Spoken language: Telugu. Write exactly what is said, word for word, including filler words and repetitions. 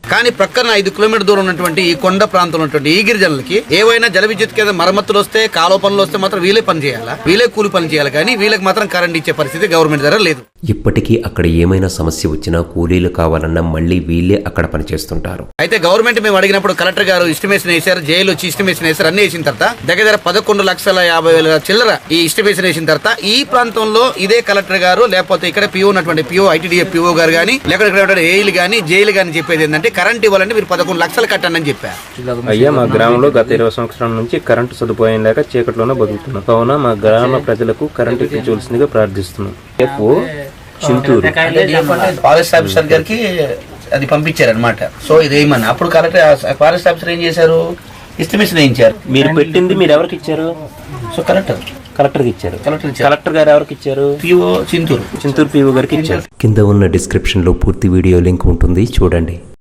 కానీ ప్రక్కన ఐదు కిలోమీటర్ దూరం ఉన్నటువంటి ఈ కొండ ప్రాంతంలో ఉన్నటువంటి ఈ గిరిజనులకి ఏవైనా జల విద్యుత్ కేంద్ర మరమ్మతులు వస్తే కాలువ పనులు వస్తే మాత్రం వీలే పని చేయాలా, వీలే కూలి పని చేయాలి, కానీ వీళ్ళకి మాత్రం కరెంట్ ఇచ్చే పరిస్థితి గవర్నమెంట్ దగ్గర లేదు. ఇప్పటికీ అక్కడ ఏమైనా సమస్య వచ్చినా కూలీలు కావాలన్నా మళ్ళీ వీళ్ళే అక్కడ పనిచేస్తుంటారు. అయితే గవర్నమెంట్ మేము అడిగినప్పుడు కలెక్టర్ గారు ఎస్టిమేషన్ వేశారు, జైలు వచ్చి ఎస్టిమేషన్ వేశారు, అన్ని వేసిన తర్వాత దగ్గర దగ్గర పదకొండు లక్షల యాభై వేల చిల్లర ఈ ఎస్టిమేషన్ వేసిన తర్వాత ఈ ప్రాంతంలో ఇదే కలెక్టర్ గారు లేకపోతే ఇక్కడ పిఓ ఉన్నటువంటి పిఓ ఐటీడీఏ పిఓ గారు కానీ లేకపోతే ఏఈలు కానీ జైలు కానీ చెప్పేది ఏంటంటే కరెంట్ ఇవ్వాలంటే మీరు పదకొండు లక్షలు కట్టండి అని చెప్పారు. అయ్యా, మా గ్రామంలో గత ఇరవై సంవత్సరాల నుంచి కరెంటు సదుపాయం లేక చీకట్లోనే బతుకుతున్నాం. కావున మా గ్రామ ప్రజలకు కరెంటు ఇప్పించవలసిందిగా ప్రార్థిస్తున్నాం. చింతూరు ఫారెస్ట్ ఆఫీసర్ గారికి అది పంపించారనమాట. సో ఇది ఏమన్నా అప్పుడు కలెక్టర్ ఫారెస్ట్ ఆఫీసర్ ఏం చేశారు, ఎస్టిమేషన్ వేయించారు. మీరు పెట్టింది మీరు ఎవరికి ఇచ్చారు? సో కలెక్టర్ కలెక్టర్కి ఇచ్చారు. కలెక్టర్ కలెక్టర్ గారు ఎవరికి ఇచ్చారు? పిఓ చింతూరు చింతూరు పిఓ గారికి ఇచ్చారు. కింద ఉన్న డిస్క్రిప్షన్ లో పూర్తి వీడియో లింక్ ఉంటుంది, చూడండి.